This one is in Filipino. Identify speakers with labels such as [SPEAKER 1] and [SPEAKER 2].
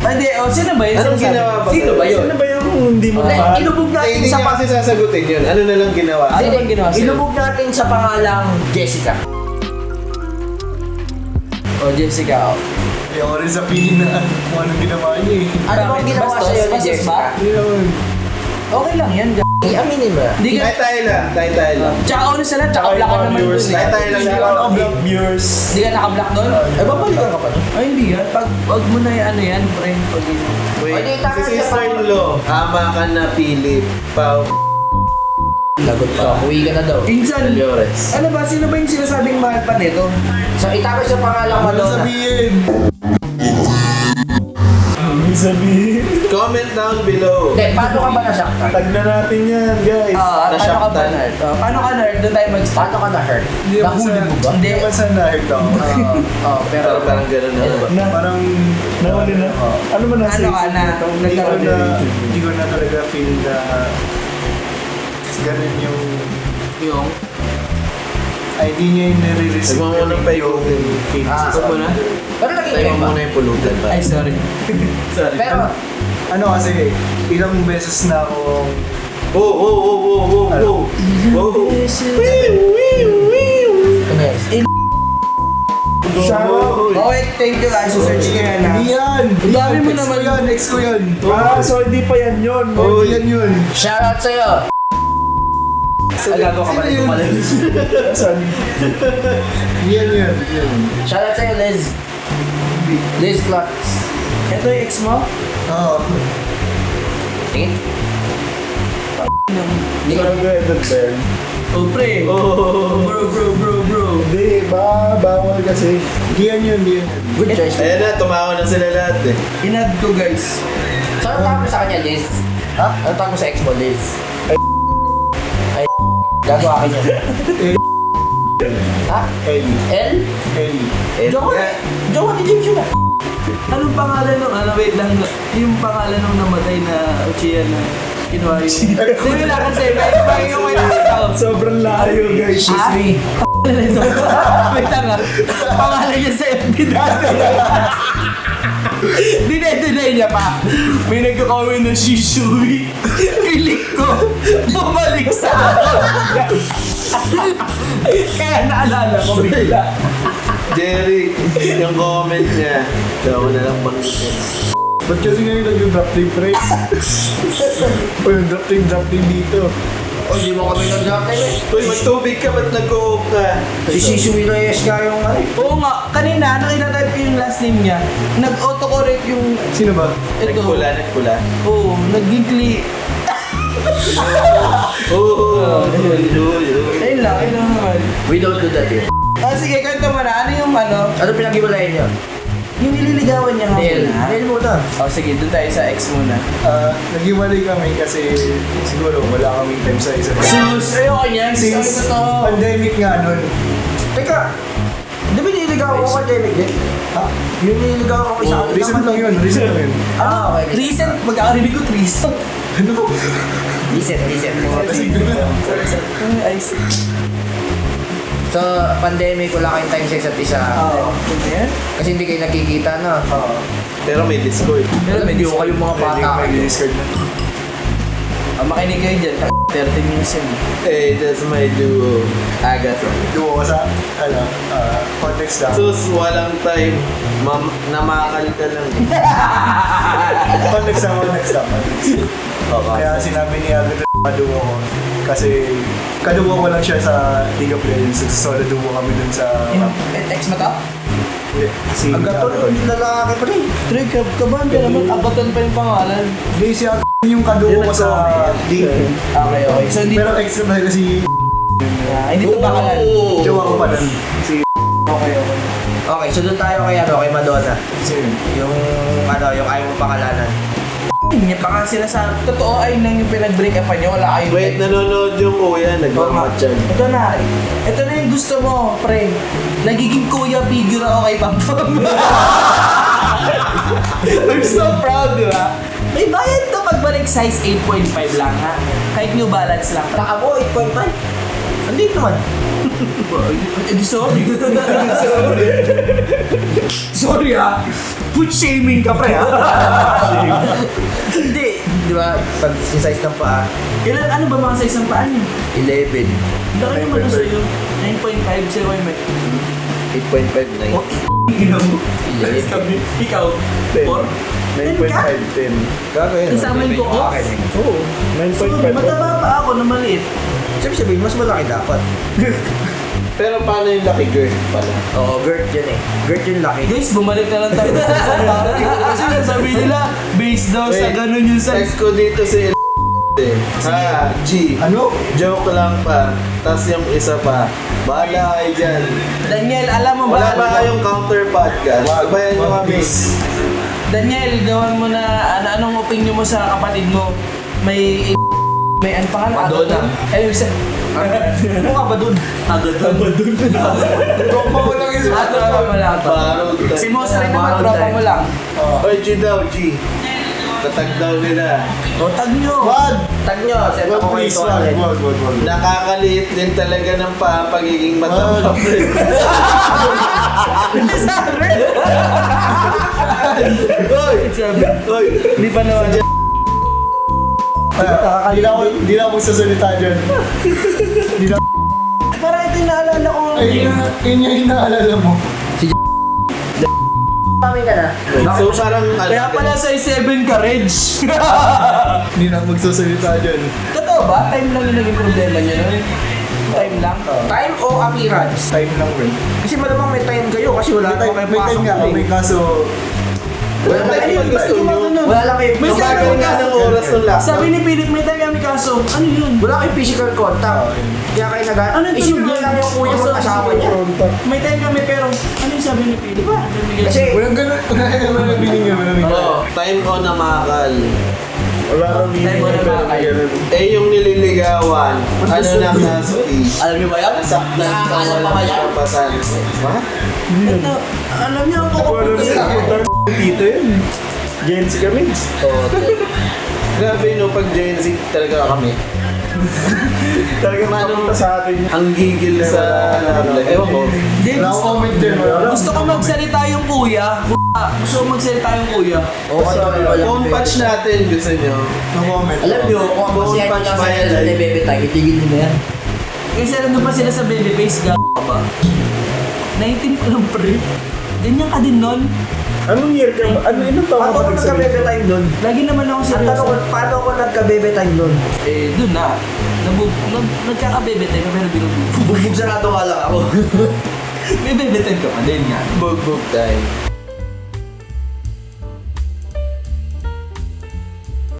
[SPEAKER 1] Hindi, sino ba yun?
[SPEAKER 2] Anong ginawa ba?
[SPEAKER 1] Sino ba yun?
[SPEAKER 3] Sino ba yung hindi mo mahal?
[SPEAKER 4] Ilubog natin
[SPEAKER 2] Hindi
[SPEAKER 4] sa
[SPEAKER 2] niya kasi sasagutin yun. Ano na lang ginawa?
[SPEAKER 1] Ano bang ginawa sa'yo?
[SPEAKER 4] Ilubog natin sa pangalang Jessica.
[SPEAKER 1] Jessica.
[SPEAKER 3] Ayoko rin sabihin na kung anong ginawa niya eh.
[SPEAKER 4] Ano bang ginawa
[SPEAKER 1] Bastos?
[SPEAKER 4] sa'yo ni
[SPEAKER 1] Bastos
[SPEAKER 4] Jessica?
[SPEAKER 1] ba?
[SPEAKER 3] Hindi naman.
[SPEAKER 1] Okay lang yan,
[SPEAKER 4] Aminin mo.
[SPEAKER 1] Hindi ka...
[SPEAKER 2] Tayo lang.
[SPEAKER 1] Tsaka una sa lahat, tsaka black ka naman dun.
[SPEAKER 2] Tayo lang.
[SPEAKER 3] Shout out to Black viewers.
[SPEAKER 1] Hindi ka naka-black doon?
[SPEAKER 4] Eh, babalikan ka pa doon.
[SPEAKER 1] Ay, hindi yan. Pag mo na ano yan, pre.
[SPEAKER 2] Wait,
[SPEAKER 4] Ay, di, tama
[SPEAKER 2] si
[SPEAKER 4] siya.
[SPEAKER 2] sister-in-law. Ama ka na, Philip. Pao.
[SPEAKER 4] Lagot ka. Uwi ka na daw.
[SPEAKER 1] Insan,
[SPEAKER 2] Llores.
[SPEAKER 1] ano ba? Sino ba yung sinasabing mahal pa nito?
[SPEAKER 4] So, itago sa pangalang
[SPEAKER 3] Ano
[SPEAKER 4] Madonna.
[SPEAKER 3] sabihin? Ano sabihin?
[SPEAKER 2] Comment down below.
[SPEAKER 4] Hindi, paano ka ba nasaktan?
[SPEAKER 3] Tag na natin yan, guys.
[SPEAKER 1] Paano ka ba
[SPEAKER 2] Nasaktan.
[SPEAKER 1] nerd? Paano ka nerd? Doon tayo mag-start.
[SPEAKER 4] Paano ka na-hurt?
[SPEAKER 3] Hindi
[SPEAKER 4] Nahuli mo ba?
[SPEAKER 3] Hindi naman sa na-hurt ako.
[SPEAKER 4] Pero
[SPEAKER 2] Pero parang gano'n na.
[SPEAKER 3] Na, parang nawali na. Ano man nasa
[SPEAKER 1] Ano ka
[SPEAKER 3] isip
[SPEAKER 1] na?
[SPEAKER 3] ko? Hindi ko na talaga feel na ganun yung ay di niya yung nare-receive
[SPEAKER 2] Huwag mo muna pa
[SPEAKER 3] yung feelings
[SPEAKER 4] Ah,
[SPEAKER 3] sa
[SPEAKER 2] huwag mo na.
[SPEAKER 3] akin.
[SPEAKER 4] Pero naging
[SPEAKER 2] Tayo
[SPEAKER 4] kayo ba?
[SPEAKER 2] muna yung pulutan pa.
[SPEAKER 1] Ay, sorry. Sorry.
[SPEAKER 4] Pero,
[SPEAKER 3] Ano kasi, ilang beses na akong
[SPEAKER 2] Oh.
[SPEAKER 4] ano yan?
[SPEAKER 3] Shout
[SPEAKER 1] Oh, wait, thank you guys. Search ko yan, ha?
[SPEAKER 3] Hindi yan!
[SPEAKER 1] Ang dami mo
[SPEAKER 3] Next
[SPEAKER 1] naman.
[SPEAKER 3] ko yan, next ko yan. Ah, so hindi pa yan yun.
[SPEAKER 2] Oh,
[SPEAKER 3] Hindi yan yun.
[SPEAKER 4] Shoutout sa'yo!
[SPEAKER 1] Agago ka pa rin tumalun.
[SPEAKER 3] Saan? Yan yun. Yan.
[SPEAKER 4] Shoutout sa'yo, Liz. Liz Klotz.
[SPEAKER 1] Ito yung ex mo?
[SPEAKER 3] Oo.
[SPEAKER 4] Tingin? Hindi ko
[SPEAKER 3] Grabe, that Ben.
[SPEAKER 1] Oh, pre.
[SPEAKER 2] Oh.
[SPEAKER 1] Bro.
[SPEAKER 3] Hindi, bawal kasi. Hindi yan yun, hindi yan.
[SPEAKER 4] Good choice.
[SPEAKER 2] Ayan na, tumawa na sila lahat eh.
[SPEAKER 1] Inad ko, guys.
[SPEAKER 4] So, ano tawag mo sa kanya, Liz?
[SPEAKER 3] Ha?
[SPEAKER 4] Ano tawag mo sa ex mo, Liz?
[SPEAKER 3] Ay.
[SPEAKER 4] Gagawa ka niya. Ha?
[SPEAKER 3] Ellie.
[SPEAKER 4] L?
[SPEAKER 3] Ellie.
[SPEAKER 4] Jowa ni James yun ah.
[SPEAKER 1] Anong pangalan nung, wait lang, yung pangalan nung namatay na Uchiha na kinuha yung... Hindi wala kasi, may yung may nakasal.
[SPEAKER 3] Sobrang layo, guys.
[SPEAKER 4] Ari.
[SPEAKER 1] Wait lang, pangalan niya sa FB dati. Dinay niya pa. May nagkakawin na Shishui. Kilik ko. Bumalik sa akin. Kaya naalala ko bigla.
[SPEAKER 2] Jerry, yung comment niya. Ito ako na lang bangkin.
[SPEAKER 3] Ba't kasi ngayon nag-drop team, pre? O yung drop team dito.
[SPEAKER 4] O, di mo kami nag-drop time eh.
[SPEAKER 2] Uy, magtubig ka, ba't nag-cook ka?
[SPEAKER 4] Si Shishui Reyes nga yung ano.
[SPEAKER 1] Oo nga, kanina nakita-type ko yung last name niya. Nag-autocorrect yung
[SPEAKER 3] Sino ba?
[SPEAKER 1] ito.
[SPEAKER 2] Nagpula.
[SPEAKER 1] Oo, nag-gigli.
[SPEAKER 2] Oh.
[SPEAKER 1] Ayun lang naman.
[SPEAKER 4] We don't do that here.
[SPEAKER 1] Sige, kwento mo na. Ano yung ano?
[SPEAKER 4] Ano pinag-iwalayan niyo?
[SPEAKER 1] Yung nililigawan niya nga
[SPEAKER 4] Neil.
[SPEAKER 1] muna.
[SPEAKER 4] Neil muna.
[SPEAKER 1] Sige, doon tayo sa ex muna.
[SPEAKER 3] Nag-iwalay kami kasi siguro wala kaming time sa isa't isa.
[SPEAKER 1] Sus, ayoko niyan.
[SPEAKER 3] Since
[SPEAKER 1] Ano to?
[SPEAKER 3] pandemic nga nun.
[SPEAKER 4] Teka, di ba nililigaw ko pandemic din?
[SPEAKER 3] Ha?
[SPEAKER 4] Yung nililigaw ko isa
[SPEAKER 3] Oh, recent lang yun.
[SPEAKER 4] Ah, okay.
[SPEAKER 1] Recent, mag-aarinig ko recent.
[SPEAKER 3] Ano?
[SPEAKER 4] Recent.
[SPEAKER 3] Kasi gano'n lang.
[SPEAKER 1] Ay, see.
[SPEAKER 4] So, pandemic, wala kayong time sa isa't isa.
[SPEAKER 1] Oo. Ganyan?
[SPEAKER 4] Kasi hindi kayo nakikita na.
[SPEAKER 2] Pero may Discord.
[SPEAKER 1] Pero may
[SPEAKER 4] Hindi ko kayong mga bata
[SPEAKER 3] May
[SPEAKER 4] kayo.
[SPEAKER 3] discard na.
[SPEAKER 1] Makinig kayo dyan. 30 minutes yun.
[SPEAKER 2] Hey, that's my duo. Agatha.
[SPEAKER 3] Duo ko sa, context lang.
[SPEAKER 2] Sus, walang time. Namakal ka lang.
[SPEAKER 3] Context lang.
[SPEAKER 2] Okay.
[SPEAKER 3] Kaya sinabi ni Agatha kaduo ko. Kasi kaduo ko lang siya sa League of Legends. Solo duo kami dun sa...
[SPEAKER 1] Ex mo to?
[SPEAKER 3] Si
[SPEAKER 4] Agaton, lalaki pa rin.
[SPEAKER 1] Tre, kabahan ka naman. Abaton pa yung pangalan.
[SPEAKER 3] Hindi, si Agatha yung kaduo ko sa League.
[SPEAKER 1] Okay. So, hindi
[SPEAKER 3] Pero extra na kasi
[SPEAKER 1] hindi to pangalan.
[SPEAKER 3] jowa ko pa nun. Si...
[SPEAKER 1] Okay.
[SPEAKER 4] Okay, so doon tayo kay Madonna.
[SPEAKER 3] Sino?
[SPEAKER 4] Yung yung ayaw mo pangalanan.
[SPEAKER 1] Hindi pa nga sila sa... Totoo ay nang yung pinag-break up niyo. Wala kayong...
[SPEAKER 2] Wait, nanonood yung kuya. Nagmamatchan.
[SPEAKER 1] Ito na. Ito na yung gusto mo, pre. Nagiging kuya figure ako kay Pampam. I'm so proud, di ba? May bayad to pagbalik size 8.5 lang, ha? Kahit New Balance lang.
[SPEAKER 4] Baka mo, 8.5. Andito naman.
[SPEAKER 1] Sorry. Sorry ha. Food shaming ka pre ha.
[SPEAKER 4] Hindi. Di ba? Pag size ng paa,
[SPEAKER 1] Ano ba mga size ng paa niyo?
[SPEAKER 4] 11.
[SPEAKER 1] Laki naman na sa'yo. 9.5 sa'yo ay may.
[SPEAKER 4] 8.5, 9.
[SPEAKER 1] Ina mo.
[SPEAKER 4] 11.
[SPEAKER 1] Ikaw?
[SPEAKER 3] 10.
[SPEAKER 1] 4?
[SPEAKER 3] 9.5, 10.
[SPEAKER 4] Gago yun.
[SPEAKER 1] Kasama yung buko?
[SPEAKER 3] Oo,
[SPEAKER 1] So,
[SPEAKER 3] 9.5.
[SPEAKER 1] mataba pa ako na maliit.
[SPEAKER 4] Sabi sabihin, mas malaki dapat.
[SPEAKER 2] Pero paano yung lucky girl pala?
[SPEAKER 4] Oo, Gert yun eh. Gert yung laki.
[SPEAKER 1] Guys, bumalik na lang tayo sa isang topic. Kasi sabi nila, based daw sa
[SPEAKER 2] Wait,
[SPEAKER 1] ganun yung size.
[SPEAKER 2] Text ko dito si Ha, G.
[SPEAKER 3] Ano?
[SPEAKER 2] Joke lang pa. Tapos yung isa pa. Bahala kayo dyan.
[SPEAKER 1] Daniel, alam mo
[SPEAKER 2] Wala
[SPEAKER 1] ba?
[SPEAKER 2] ba kayong counter podcast? Sabayan nyo kami.
[SPEAKER 1] Daniel, gawan mo na anong opinion mo sa kapatid mo? May ano pa nga?
[SPEAKER 2] Madonna.
[SPEAKER 1] Mukha ba dun? Agadon. Agadon.
[SPEAKER 3] Tropa mo lang isa.
[SPEAKER 1] Tropa mo lang to.
[SPEAKER 2] Barod.
[SPEAKER 1] Si Mosa rin naman, tropa mo lang.
[SPEAKER 2] Oy, G daw, G. Tatag daw nila.
[SPEAKER 1] O, tag nyo.
[SPEAKER 3] Wag!
[SPEAKER 4] Tag nyo, send
[SPEAKER 3] Wag,
[SPEAKER 4] ako kayo
[SPEAKER 3] please,
[SPEAKER 4] ito
[SPEAKER 3] wag,
[SPEAKER 4] ulit.
[SPEAKER 3] wag, wag, wag.
[SPEAKER 2] Nakakaliit din talaga ng pagiging mataba. Oy! Oy!
[SPEAKER 1] Hindi pa naman.
[SPEAKER 3] Hindi na ako magsasalita dyan. Hindi na.
[SPEAKER 1] Parang ito yung naalala ko.
[SPEAKER 3] Yun yung inaalala mo.
[SPEAKER 4] Kami ka na.
[SPEAKER 2] So parang
[SPEAKER 1] Kaya pala size 7 ka, Reg.
[SPEAKER 3] Hindi na ako magsasalita dyan.
[SPEAKER 1] Totoo ba? Time lang yung naging problema nyo nun? Time lang?
[SPEAKER 4] Time o appearance?
[SPEAKER 3] Time lang rin.
[SPEAKER 4] Kasi malamang may time kayo kasi wala
[SPEAKER 3] May
[SPEAKER 4] naman kayo
[SPEAKER 3] time
[SPEAKER 4] pasok
[SPEAKER 3] nga
[SPEAKER 4] doon
[SPEAKER 3] kami,
[SPEAKER 4] eh.
[SPEAKER 3] kaso
[SPEAKER 4] Wala
[SPEAKER 2] Wala
[SPEAKER 4] lang
[SPEAKER 2] tayong
[SPEAKER 4] kayo
[SPEAKER 2] gusto nyo.
[SPEAKER 4] Wala lang kayo.
[SPEAKER 1] May
[SPEAKER 2] Tumagal
[SPEAKER 1] sabi
[SPEAKER 2] nga
[SPEAKER 1] ka.
[SPEAKER 2] ng oras ng lockdown.
[SPEAKER 1] Sabi ni Philip, may time kami kaso. Ano yun?
[SPEAKER 4] Wala kayong physical contact. Kaya kayo
[SPEAKER 1] Ano yung
[SPEAKER 4] Isipin
[SPEAKER 1] tunog
[SPEAKER 4] mo
[SPEAKER 1] yun?
[SPEAKER 4] lang yung kuya mo
[SPEAKER 1] Also,
[SPEAKER 4] kasama niya.
[SPEAKER 1] May time kami pero ano yung sabi ni Philip?
[SPEAKER 4] Kasi
[SPEAKER 3] walang ganun. Wala naman ang binigyan mo namin.
[SPEAKER 2] Oo, time on na makakal.
[SPEAKER 3] Wala nang
[SPEAKER 1] Time mo na mga kayo.
[SPEAKER 2] Eh yung nililigawan, ano na kaso is?
[SPEAKER 1] Alam niyo ba yan?
[SPEAKER 2] Saktan ka
[SPEAKER 1] Alam
[SPEAKER 2] walang
[SPEAKER 1] ba yan?
[SPEAKER 2] kapasan. What?
[SPEAKER 1] Ito, alam niyo ako
[SPEAKER 3] Wala
[SPEAKER 1] pupunta sa
[SPEAKER 3] naman. Dito yun. Gen Z kami.
[SPEAKER 2] Grabe no, pag Gen Z talaga kami.
[SPEAKER 3] Talaga mapunta sa atin.
[SPEAKER 2] Ang gigil sa love life. Ewan ko.
[SPEAKER 1] James,
[SPEAKER 3] Wala akong comment dyan. Wala.
[SPEAKER 1] gusto ko magsalita yung kuya. Gusto ko magsalita yung kuya.
[SPEAKER 4] Oo, kasi wala
[SPEAKER 2] Phone patch natin, gusto nyo.
[SPEAKER 3] No comment.
[SPEAKER 4] Alam niyo, kung ang
[SPEAKER 2] Phone
[SPEAKER 4] masiyahin
[SPEAKER 2] patch
[SPEAKER 4] niyo
[SPEAKER 2] ba
[SPEAKER 4] sa
[SPEAKER 2] yan,
[SPEAKER 4] sa
[SPEAKER 2] like?
[SPEAKER 4] bebe tag, itigil niyo na yan.
[SPEAKER 1] Kasi nandun pa sila sa baby face, ka ba? 19 pa lang pre. Ganyan ka din nun.
[SPEAKER 3] Anong year ka ba? Ilang taon
[SPEAKER 4] Paano
[SPEAKER 3] ka
[SPEAKER 4] ako
[SPEAKER 3] ba
[SPEAKER 4] nagka-bebe time nun?
[SPEAKER 1] Lagi naman ako
[SPEAKER 4] Ang
[SPEAKER 1] seryoso.
[SPEAKER 4] tanong ko, paano ako nagka-bebe time nun?
[SPEAKER 1] Eh, dun na. Nagkaka-bebe time pero binubugbog.
[SPEAKER 4] Bugbog sarado nga lang ako.
[SPEAKER 1] May bebe time ka pa din nga.
[SPEAKER 2] Bugbog time.